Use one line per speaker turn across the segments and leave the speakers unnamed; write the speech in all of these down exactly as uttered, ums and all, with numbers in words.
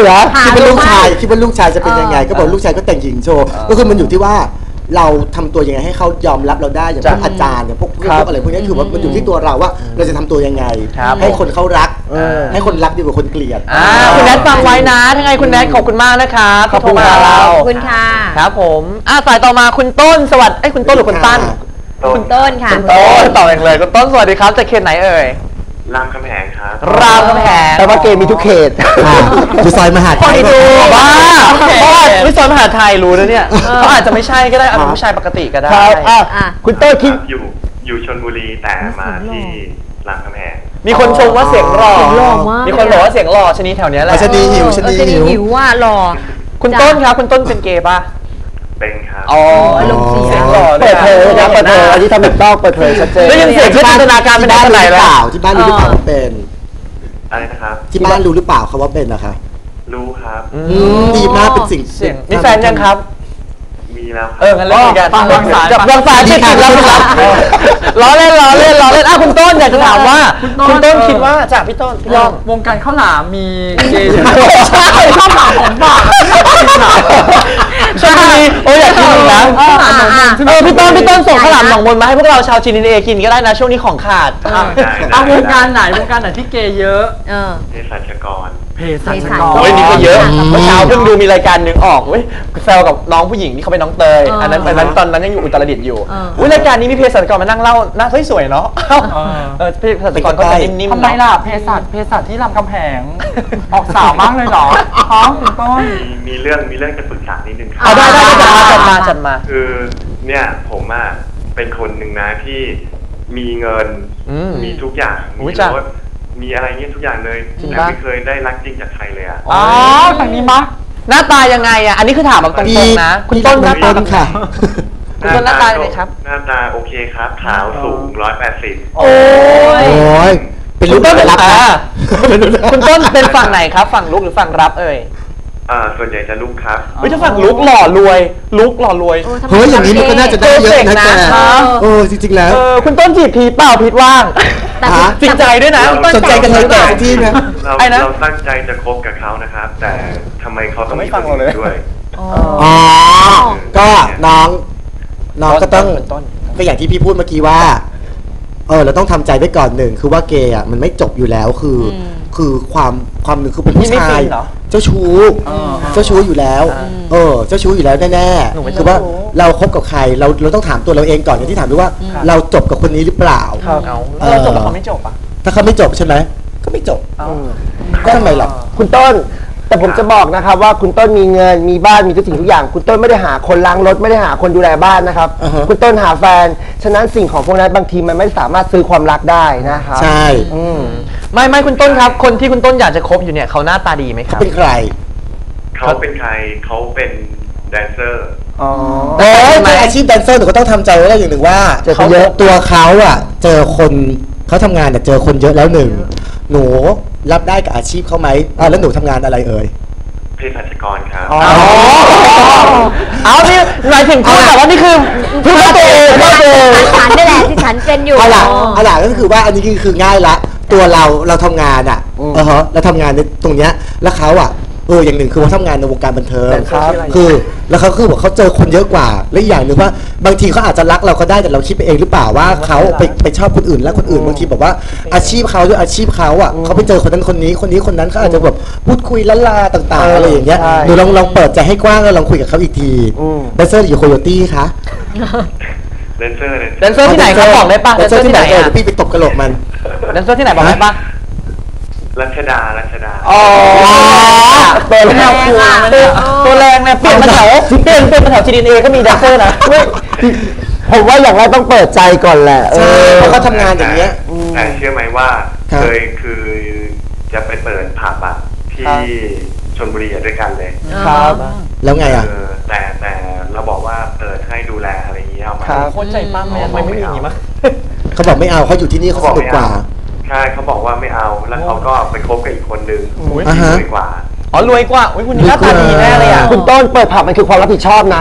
เหรอคิดว่าลูกชายคิดว่าลูกชายจะเป็นยังไงก็บอกลูกชายก็แต่งหญิงโชว์ก็คือมันอยู่ที่ว่าเราทำตัวยังไงให้เขายอมรับเราได้อย่างพวกอาจารย์อย่างพวกพวกอะไรพวกนี้คือว่ามันอยู่ที่ตัวเราว่าเราจะทำตัวยังไงให้คนเขารักให้คนรักดีกว่าคนเกลียด
คุณแนทฟังไว้นะทั้งไงคุณแนทขอบคุณมากนะคะขอบคุณมาเรา
ขอบคุณค่ะ
ครับผมอ่ะสายต่อมาคุณต้นสวัสดีคุณต้นหรือคุณตั้น
คุณต้นค่ะ
คุณต้นต่อเองเลยคุณต้นสวัสดีครับจากเขตไหนเอ่ย
รามคำแหงครับ
รามคำแหง
แต่ว่าเกมมีทุกเขตอยู่ซอยมหาไทย
ดูบ้าเพราะว่าวิศวมหาไทยรู้นะเนี่ยเขาอาจจะไม่ใช่ก็ได้อาจจะผู้ชายปกติก็ได้
คุณต้นคิด
อยู่อยู่ชลบุรีแต่มาที่รามคำแหง
มีคนชมว่าเสียงหล่อมีคนบอกว่าเสียงหล่อชนีแถวนี้แหละ
ชนีหิวชนี
หิวว่าหล่อ
คุณต้นครับคุณต้นเป็นเกย์ป่ะ
เป็นครับ
อ๋อ
ลงเสียง
หล่อ
เปิดเผยนะเปิดเผยอันนี้ทำแบบต้องเปิดเผยชัดเจน
แล้วยังเสียงที่จินตนาการเป็นได้เท่าไหร่แล้ว
ที่บ้านรู้หรือเปล่าเป็น
อะไรนะครับ
ที่บ้านรู้หรือเปล่าเขาว่าเป็นนะคะ
รู้ครับ
ดีมากเป็นสิ่ง
มีแฟนยังครับ
มีแล้ว
เอองั้นเล่นกันวางสายกับวางสายที่ติดแล้วครับล้อเล่นล้อเล่นล้อเล่นอ่ะคุณต้นอยากจะถามว่าคุณต้นคิดว่าจากพี่ต้นพี่ต้น
วงการข้าวหลามมีเกย์
ใช่ข้าวหลามของฝากใช่โอ้ยอยากกินนะเออพี่ต้นพี่ต้นส่งข้าวหลามหนองมนมาให้พวกเราชาวจีนเอกินก็ได้นะช่วงนี้ของขาด
เอาวงการไหนวงการไหนที่เกย์เยอะ
เภสัชกร
เภสัชกร
โอ้ยนี่ก็เยอะเมื่อเช้าเพิ่งดูมีรายการหนึ่งออกเว้ยแซวกับน้องผู้หญิงที่เขาเป็นน้องเตยอันนั้นอันนั้นตอนนั้นยังอยู่อุตรดิตถ์อยู่อุ้ยรายการนี้มีเภสัชกรมานั่งเล่าน่าสวยๆเนาะเออเภสัชกรก็จะนิ่มๆ
ทำไมล่ะเภสัชเภสัชที่รามคำแหงออกสาวมากเลยเหรอท้องคุณต้น
มีเรื่องมีเรื่องจะปรึกษานิดนึงครับ
เอาได้ได้จัดมาจัดมาจัดมา
คือเนี่ยผมอ่ะเป็นคนหนึ่งนะที่มีเงินมีทุกอย่างมีรถมีอะไรเงี้ยทุกอย่างเลยแต่ไม่เคยได้รักจริงจากใครเลยอ่ะ
อ๋อทางนี้มะ
หน้าตายังไงอ่ะอันนี้คือถามแบบตรงๆนะคุณต้นหน้าตา
ค่ะ
คุณต้นหน้าตาไงครับ
หน้าตาโอเคครับขาวสูงร้อยแปดสิบ
โอ้
ยเป็นลูกเป็นรับ
คุณต้นเป็นฝั่งไหนครับฝั่งลุกหรือฝั่งรับเอ่ย
อ่าส่วนใหญ่จะลุกครับ
ไม่ใช่ฝั่งลุกหล่อรวยลุกหล่อรวย
เฮ้ยอย่างนี้มันก็น่าจะได้เยอะนะแกโอ้จริงๆแล้ว
คุณต้นจีบพีเปล่าพีว่างจริงใจด้วยนะ
สนใจกันเลยแต่ที่นะ
เราเราตั้งใจจะคบกับเขานะครับแต่ทำไมเขาต้อง
ไม่ฟังเราเลย
ด้วย
อ๋อก็น้องน้องก็ต้องก็อย่างที่พี่พูดเมื่อกี้ว่าเออเราต้องทำใจไว้ก่อนหนึ่งคือว่าเกย์อ่ะมันไม่จบอยู่แล้วคือคือความความหนึ่งคือเป็นผู้ชายเจ้าชู้เจ้าชู้อยู่แล้วเออเจ้าชู้อยู่แล้วแน่ๆคือว่าเราคบกับใครเราเราต้องถามตัวเราเองก่อนอย่างที่ถามด้วยว่าเราจบกับคนนี้หรือเปล่า
เราจบแล้วเขาไม่จบอ่ะ
ถ้าเขาไม่จบใช่ไหมก็ไม่จบก็ทำไมล่ะ
คุณต้นแต่ผมจะบอกนะครับว่าคุณต้นมีเงินมีบ้านมีทุกสิ่งทุกอย่างคุณต้นไม่ได้หาคนล้างรถไม่ได้หาคนดูแลบ้านนะครับคุณต้นหาแฟนฉะนั้นสิ่งของพวกนั้นบางทีมันไม่สามารถซื้อความรักได้นะครับ
ใช่
ไม่ไม่คุณต้นครับคนที่คุณต้นอยากจะคบอยู่เนี่ยเขาหน้าตาดีไหมครับ
เป็นใคร
เขาเป็นใครเขาเป็นแดนเซอร์
อ๋อเออเป็นอาชีพแดนเซอร์หนูก็ต้องทำใจไว้อย่างหนึ่งว่าเขาเยอะตัวเขาอ่ะเจอคนเขาทำงานเนี่ยเจอคนเยอะแล้วหนึ่งหนูรับได้กับอาชีพเขาไหมอ่าแล้วหนูทำงานอะไรเอ่ย
เภสัชกรครับ
อ๋อเอานี่หมายถึงคุณแต่ว่านี่คือ
เพื่อตัวเองเพื่อตัวเองฉันนี่แหละที่ฉันเป็นอยู่
เอาล่ะเอาล่ะก็คือว่าอันนี้คือคือง่ายละตัวเราเราทำงานอ่ะเออฮะเราทำงานในตรงเนี้ยแล้วเขาอ่ะเอออย่างหนึ่งคือว่าทำงานในวงการบันเทิงคือแล้วเขาคือบอกเขาเจอคนเยอะกว่าและอีกอย่างหนึ่งว่าบางทีเขาอาจจะรักเราก็ได้แต่เราคิดไปเองหรือเปล่าว่าเขาไปไปชอบคนอื่นแล้วคนอื่นบางทีแบบว่าอาชีพเขาด้วยอาชีพเขาอ่ะเขาไปเจอคนนั้นคนนี้คนนี้คนนั้นเขาอาจจะแบบพูดคุยละลาต่างๆอะไรอย่างเงี้ยหนูลองลองเปิดใจให้กว้างแล้วลองคุยกับเขาอีกทีแดนเซอร์อยู่โคโยตี้คะ
แดนเซอร์
แดนเซอร์ที่ไหนเขาบอกได้ป่ะ
แดนเซอร์ที่ไหนเออพี่ไปตบกระโหลกมัน
แดนเซอร์ที่ไหนบอกได้ป่ะ
รัชดารัชดา
อ๋อตัวแรงตัวแรงเนี่ยเปลี่ยนมาแถวเปลี่ยนเป็นมาแถวจีดีเอก็มีแดนเซอร์นะ
ผมว่าอย่างแรกต้องเปิดใจก่อนแหละ
ใช่เพราะเขาทำงานอย่างเงี้ย
แต่เชื่อไหมว่าเคยคือจะไปเปิดผับอะที่ชลบุรีด้วยกันเลย
ครับแล้วไงอ่ะ
แต่แต่เราบอกว่าเปิดให้ดูแลอะไรอย่างเงี้ยเอามา
โคตรใจปั้มเลยทำไมไม่มีอย่างนี้มั้ง
เขาบอกไม่เอาเขาอยู่ที่นี่เขาสนุกกว่า
ใช่เขาบอกว่าไม่เอาแล้วเขาก็ไปคบกับอีกคนนึงที่รวยกว่า
อ๋อรวยกว่าอุ้ยคุณนี่หน้าตาดีแน่เลยอ่ะ
คุณต้นเปิดผับมันคือความรับผิดชอบนะ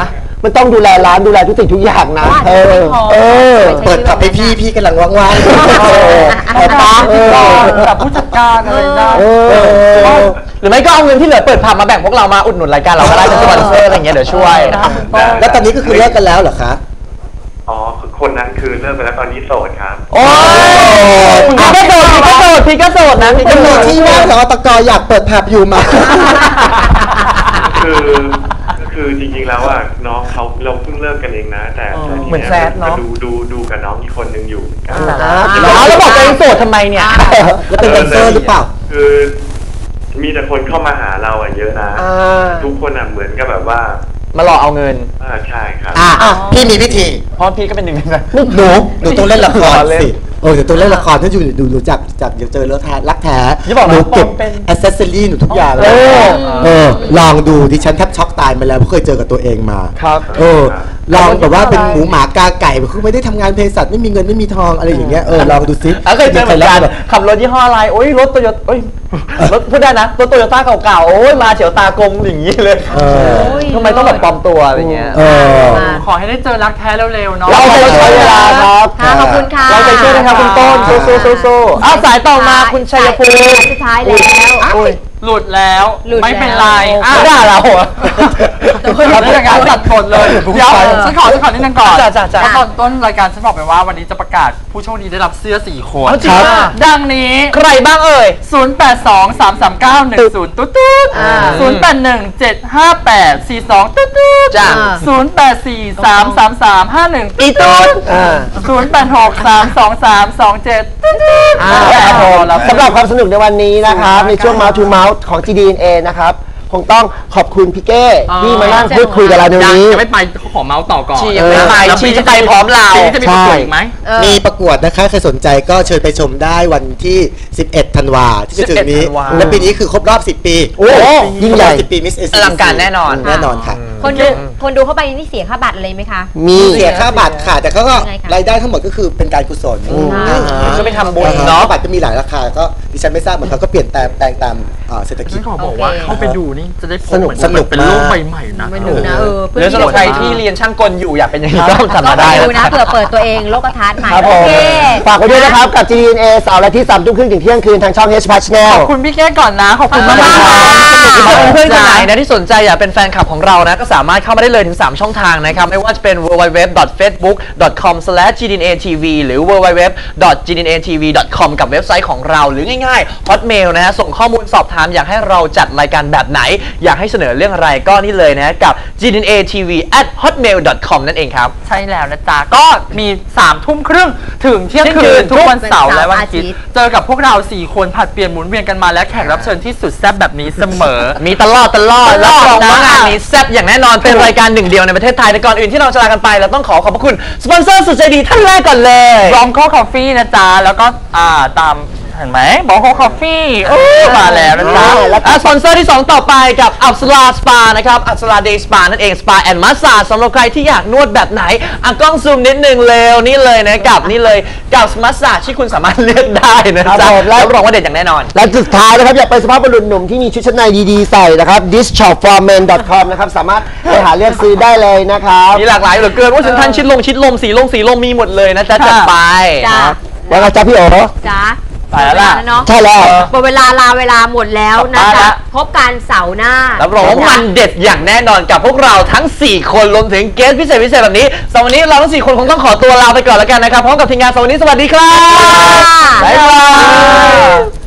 มันต้องดูแลร้านดูแลทุกสิ่งทุกอย่างนะเออเออ
เปิดขับให้พี่พี่กำลังว่างๆเอาปะ
กับผู้จัดการอะไรได้
หรือไม่ก็เอาเงินที่เหลือเปิดผับมาแบ่งพวกเรามาอุดหนุนรายการเราก็ได้เป็นสปอนเซอร์อะไรอย่างเงี้ยเดี๋ยวช่วย
แล้วตอนนี้ก็คือเลิกกันแล้วเหรอคะ
อ๋อคนนั้นคือเลิกไปแล้วตอนนี้โสดครับ
โอ้ยพี่ก็โสดพี่ก็โสดพี่ก็โสดนะพี่ก็
ตำร
โส
วจ
ด
ที่ว่าสอตกอยากเปิดผับอยู่มา
คือคือจริงๆแล้วอ่ะน้องเขาเราเพิ่งเลิกกันเองนะแต่แต่ที
เหมือนแซดเนอะ
ดูดูดูกับน้องอีกคนนึงอยู่เหมือนกัน
แล้วแล้วบอกตัวเองโสดทำไมเนี่ย
แล้วเป็นแดนเซอร์หรือเปล่า
คือมีแต่คนเข้ามาหาเราอ่ะเยอะนะทุกคนอ่ะเหมือนกับแบบว่า
มาหลอกเอาเงิน
อ่าใช่ครับ
อ่ะพี่มีวิธี
เพราะพี่ก็เป็นหนึ่งในนั้น
หนูหนูต้องเล่นละคร
เล่น
สิเออเดี๋ยวต้องเล่นละครถ้าอยู่ดูดูจากจากเดี๋ยวเจอเลือดแท้รักแท้
อย่าบอกนะ
หนูเก็บ
ปอมเป็น
อ c เซสซอรี่หนูทุกอย่างเลย
เออ
เออลองดูดิฉันแทบช็อกตายมาแล้วเพราะเคยเจอกับตัวเองมา
ครับ
เออลองแบบว่าเป็นหมูหมากาไก่คือไม่ได้ทำงานเภสัชไม่มีเงินไม่มีทองอะไรอย่างเงี้ยเออลองดูซิ
เคยเจอเหมือนกันขับรถยี่ห้ออะไรโอ้ยรถโตโยต้โอ้ยรถพูดได้นะรถโตโยต้าเก่าๆโอ้ยมาเฉียวตากลมอย่างนี้เลย
เออ
ทำไมต้องแบบปลอมตัวอะไรเงี้ย
เออ
ขอให้ได้เจอรักแท้เร็วๆเนาะ
เราใจช่วยเวลาครับ
ค่ะขอบคุณค่ะ
เราใจช่วยนะครับคุณต้นสู้สู้สู้สู้อ้าวสายต่อมาคุณชัยภูมิ
สุดท้ายแล้ว
อุ้ย
หลุดแล้ว
หลุดแล้ว
ไม่เป็นไรอ่ะ
ไม่ด่าเราเหรอ
เราเรื่องการตัดผลเลยเดี๋ยวฉันขอฉันขอนิดนึงก่อน
จ้ะจ้ะจ้ะ
เพราะตอนต้นรายการฉันบอกไปว่าวันนี้จะประกาศผู้โชคดีได้รับเสื้อสี่คน
เอาจริงอ่ะ
ดังนี้
ใครบ้างเอ่ย
ศูนย์ แปด สอง สาม สาม เก้า หนึ่ง ศูนย์ ตุ๊ดตุ๊ด
อ่า
ศูนย์ แปด หนึ่ง เจ็ด ห้า แปด สี่ สอง ตุ๊ดตุ๊ด
จ้ะ
ศูนย์ แปด สี่ สาม สาม สาม ห้า หนึ่ง
อีตุ๊ด
ศูนย์ แปด หก สาม สอง สาม สอง เจ็ด ตุ๊ดตุ๊ด
ครับผม
แล้ว
สำหรับความสนุกในวันนี้นะครับในช่วง Mouth to Mouth ของ จี ดี เอ็น เอ นะครับคงต้องขอบคุณพี่เก้ที่มานั่งพูดคุยกับเราในวันนี้
ยังไม่ไปขอเมาส์ต่อก่อน
ชียังไม่ไปชีจะไปพร้อมเรา
ชีจะมีประกวดอีกไหม
เออ
มีประกวดนะคะใครสนใจก็เชิญไปชมได้วันที่ สิบเอ็ด ธันวาที่จะถึงนี้
สิบเอ็ดธันวา
และปีนี้คือครบรอบ สิบ ปี
โอ้ยิ่งใหญ่
สิบปี Miss เอ
อลังการแน่นอน
แน่นอนค่ะ
คนดูคนดูเข้าไปนี่เสียค่าบัตรอะไรไหมคะ
มี
เสียค่าบัตรค่ะ แต่เขาก็
ยังไงคะ
รายได้ทั้งหมดก็คือเป็นการกุศล
อ่า
ก็ไปทำบุญ
เนาะ
เนาะ
บัตรก็มีหลายราคาก็ดิฉันไม่ทราบเหมือนกันก็เปลี่ยนแปลงแปลงตามเอ่อเศรษฐกิ
ฉั
จ
นขอบอกว่า
โอเค
เข้าไปดูนี่จะได้พบ
สนุก
เหมือ
สนุก
เป็นโลก
มาก
ใบใหม่นะ
ไม่ดูนะเออ
หรือสำหรับใครที่เรียนช่างกลอยู่อยากเป็นอย่างนี้ก็ทำมาได้
ดู
นะ
นะเผื่อเปิดตัวเองโลกทัศน์ใหม่
ครับผ
โอ
ม
เค
ฝากไว้ด้วยนะครับกับ จี ดี เอ็น เอ เสาร์และที่สามทุ่มครึ่งถึงเที่ยงคืนทางช่อง H Plus
ข
Channel
อบคุณพี่แก้ก่อนนะ ขอบคุณมาก
ขอบคุณ
ๆ
ค่ะ
เพื่อนๆคนไหนนะที่สนใจอยากเป็นแฟนคลับของเรานะก็สามารถเข้ามาได้เลยถึงสามช่องทางนะครับไม่ว่าจะเป็น ดับเบิลยู ดับเบิลยู ดับเบิลยู ดอท เฟซบุ๊ก ดอท คอม สแลช จี ดี เอ็น เอ ที วี หรือ ดับเบิลยู ดับเบิลยู ดับเบิลยู ดอท จี ดี เอ็น เอ ที วี ดอท คอม กับเว็บไซต์ของเราหรือง่ายๆ Hotmail นะฮะส่งข้อมูลสอบถามอยากให้เราจัดรายการแบบไหน อยากให้เสนอเรื่องอะไรก็นี่เลยนะกับ จี ดี เอ็น เอ ที วี แอท ฮอตเมล ดอท คอม นั่นเองครับ
ใช่แล้วนะจ๊ะ ก็มีสามทุ่มครึ่งถึงเที่ยงคืนทุกวันเสาร์และวันอาทิตย์เจอกับพวกเราสี่คนผัดเปลี่ยนหมุนเวียนกันมาและแขกรับเชิญที่สุดแซ่บแบบนี้เสมอ
มีตลอดตลอด
ตล
รับ
อด
รองว่า
นะ
งานนี้แซ่บอย่างแน่นอนเป็นรายการหนึ่งเดียวในประเทศไทยแต่ก่อนอื่นที่เราจะลากันไปเราต้องขอขอบพระคุณสปอนเซอร์สุดใจดีท่านแรกก่อนเลย
บรองโคคอฟฟี่นะจ๊ะ แล้วก็อ่าตามเห็นไหมบรองโคคอฟฟี่มาแล้วนะจ๊ะ
อ่ะสปอนเซอร์ที่ สอง ต่อไปกับอัปสราสปานะครับอัปสราเดย์สปานั่นเองสปาแอนด์มัสซาสำหรับใครที่อยากนวดแบบไหนอ่ะกล้องซูมนิดนึงเร็วนี่เลยนะกับนี่เลยกับมัสซาที่คุณสามารถเลือกได้นะ
ครั
จ๊ะ
บผมและ
รับรองว่าเด็ดอย่างแน่นอน
และสุดท้ายนะครับ อยากเป็นสภาพบุรุษหนุ่มที่มีชุดชั้นในดีๆใส่นะครับ ดิสช็อป ฟอร์ เมน ดอท คอม นะครับ สามารถไปหาเลือกซื้อได้เลยนะครับ
มีหลากหลายเหลือเกินว่าสินทันชิดลงชิดลมสีลงสีลมมีหมดเลยนะจ๊ะจัดไป
จ้า
ว่าไงจ๊ะพี่โอ๋
จ้า
ไปแล้วล่ะ
เนาะ
ใช่แล้ว
หมดเวลาลาเวลาหมดแล้วนะ
ไปละ
จ๊ะพบกันเสาร์หน้า
รับรองว่ามันเด็ดอย่างแน่นอนกับพวกเราทั้ง สี่ คนรวมถึงเกสพิเศษพิเศษแบบนี้สำหรับวันนี้เราทั้ง สี่ คนคงต้องขอตัวลาไปก่อนแล้วกันนะครับพร้อมกับทีมงานสวัสดีสวัสดีครับ
บ๊ายบาย
บ๊ายบาย